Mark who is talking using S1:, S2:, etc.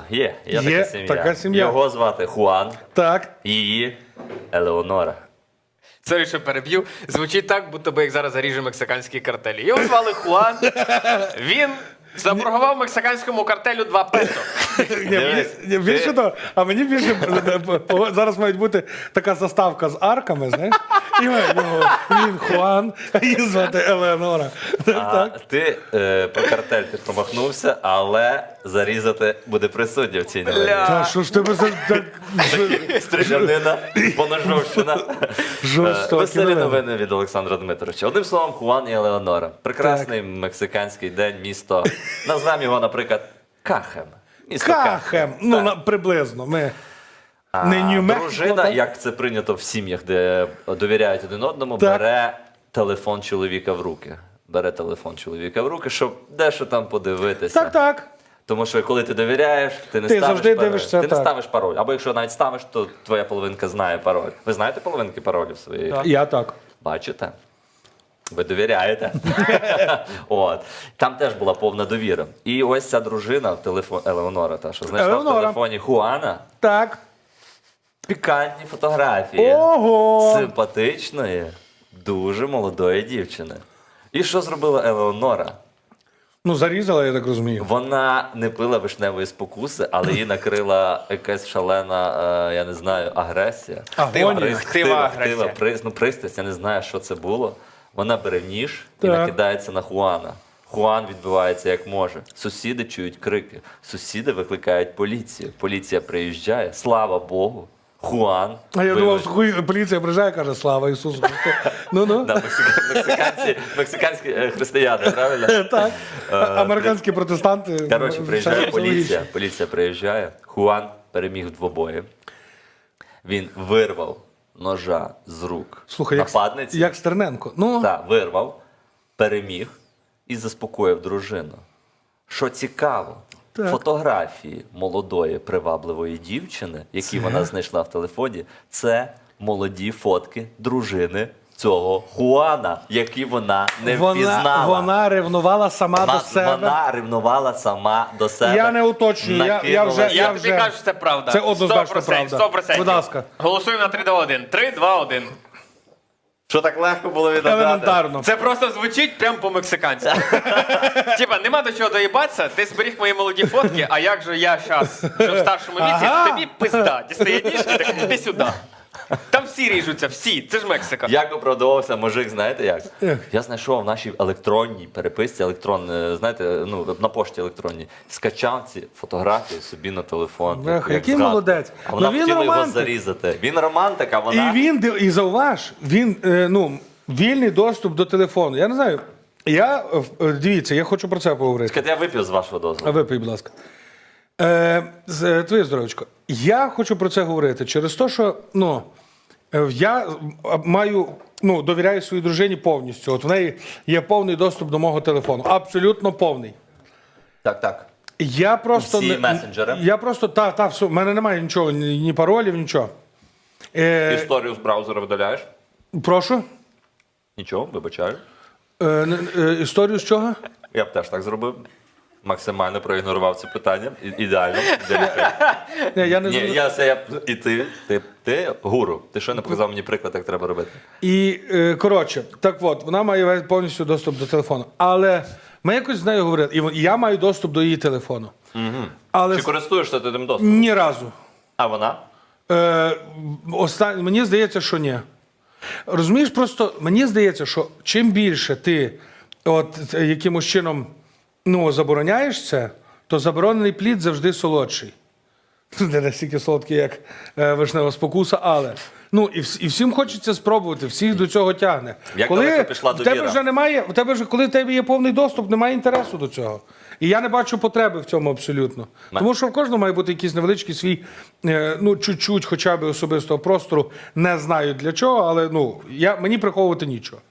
S1: Є
S2: така сім'я.
S1: Його звати Хуан,
S2: Так.
S1: її Елеонора.
S3: Сорі, що переб'ю. Звучить так, будто би як зараз заріже мексиканські картелі. Його звали Хуан. Він заборгував мексиканському картелю 2 песо.
S2: Більше того, а мені більше зараз має бути така заставка з арками, знаєш? І він Хуан, а її звати Елеонора.
S1: Ти про картель ти промахнувся, але зарізати буде присутня в цій новині.
S2: Та що ж тебе за так
S1: Стрілянина, поножовщина.
S2: жорстокі
S1: Веселі
S2: новини?
S1: новини від Олександра Дмитровича. Одним словом, Хуан і Елеонора. Прекрасний мексиканський день, місто. Назвемо його, наприклад, Кахем. Місто
S2: Кахем, ну приблизно. Ми не Нью-Мексико,
S1: дружина,
S2: так?
S1: як це прийнято в сім'ях, де довіряють один одному,
S2: Так.
S1: бере телефон чоловіка в руки. Бере телефон чоловіка в руки, щоб дещо там подивитися.
S2: Так.
S1: Тому що коли ти довіряєш, ти не
S2: Ти
S1: ставиш
S2: завжди
S1: пароль.
S2: дивишся,
S1: Ти не
S2: так.
S1: ставиш пароль. Або якщо навіть ставиш, то твоя половинка знає пароль. Ви знаєте половинки паролів своєї?
S2: Я так.
S1: Бачите? Ви довіряєте. От. Там теж була повна довіра. І ось ця дружина в телефоні Елеонора, та що знайшла в
S2: Елеонора.
S1: телефоні Хуана
S2: Так.
S1: пікантні фотографії
S2: Ого!
S1: симпатичної, дуже молодої дівчини. І що зробила Елеонора?
S2: Ну, зарізала, я так розумію.
S1: Вона не пила вишневої спокуси, але її накрила якась шалена, я не знаю, агресія.
S2: Агонія.
S3: Хтива агресія.
S1: Пристрасть, я не знаю, що це було. Вона бере ніж і
S2: Так.
S1: накидається на Хуана. Хуан відбивається як може. Сусіди чують крики. Сусіди викликають поліцію. Поліція приїжджає. Слава Богу. Хуан.
S2: А я
S1: вивез-
S2: думав, поліція приїжджає, каже, слава Ісусу Христу. Ну-ну.
S1: Да, мексиканські християни, правильно?
S2: Так. Американські протестанти.
S1: Коротше, приїжджає
S2: все
S1: поліція.
S2: логічно.
S1: Поліція приїжджає. Хуан переміг в двобої. Він вирвав ножа з рук
S2: Слухай,
S1: нападниці.
S2: як Стерненко. Ну,
S1: Так, вирвав, переміг і заспокоїв дружину. Що цікаво,
S2: Так.
S1: фотографії молодої привабливої дівчини, які вона знайшла в телефоні, це молоді фотки дружини цього Хуана, які вона не впізнала.
S2: вона ревнувала сама до себе.
S1: Вона ревнувала сама до себе.
S2: Я не уточнюю, я
S1: Накинула-
S2: вже-
S3: Я тобі кажу, що це правда.
S2: Це однозначно
S3: 100%,
S2: правда.
S3: 100%.
S2: Будь ласка.
S3: Голосуємо на 3-2-1. 3-2-1.
S1: Що так легко було відгадати?
S2: Елементарно.
S3: Це просто звучить прям по-мексиканськи. Типа, нема до чого доїбатися, ти зберіг мої молоді фотки, а як же я зараз, що в старшому віці,
S2: Ага.
S3: тобі пизда. Дістає ніж, і так, іди сюди. Там всі ріжуться, всі. Це ж Мексика.
S1: Як оправдовувався мужик, знаєте як?
S2: Як?
S1: Я знайшов в нашій електронній переписці, знаєте, ну, на пошті електронній, скачав ці фотографії собі на телефон.
S2: Бляха,
S1: як
S2: який
S1: згадку.
S2: молодець.
S1: А вона
S2: Ну, він
S1: хотіла його
S2: романтик.
S1: зарізати. Він романтик, а вона...
S2: І зауваж, він, вільний доступ до телефону. Я не знаю, дивіться, я хочу про це поговорити.
S1: Чекайте, я вип'ю з вашого
S2: А
S1: дозволу.
S2: випий, будь ласка. Твоє здоров'ячко. Я хочу про це говорити через те, що я довіряю своїй дружині повністю. От в неї є повний доступ до мого телефону. Абсолютно повний.
S1: Так.
S2: Я просто
S1: Всі месенджери?
S2: Я просто все. В мене немає нічого, ні паролів, нічого.
S1: Історію з браузера видаляєш?
S2: Прошу.
S1: Нічого, вибачаю.
S2: Історію з чого?
S1: Я б теж так зробив. Максимально проігнорував це питання. Ідеально.
S2: Ні, я не
S1: Ні, і ти гуру. Ти що не показав мені приклад, як треба робити?
S2: І, коротше, так от, вона має повністю доступ до телефону. Але ми якось з нею говорили, і я маю доступ до її телефону. Але
S1: Чи користуєшся ти тим доступом?
S2: ні разу.
S1: А вона?
S2: Мені здається, що ні. Розумієш, просто мені здається, що чим більше ти якимось чином забороняєш це, то заборонений плід завжди солодший. Не настільки солодкий, як вишнева спокуса, але і всім хочеться спробувати, всіх до цього тягне.
S1: Як далеко пішла
S2: в тебе
S1: довіра?
S2: вже немає, коли в тебе є повний доступ, немає інтересу до цього. І я не бачу потреби в цьому абсолютно. Тому що в кожного має бути якийсь невеличкий свій, чуть-чуть хоча б особистого простору. Не знаю для чого, але мені приховувати нічого.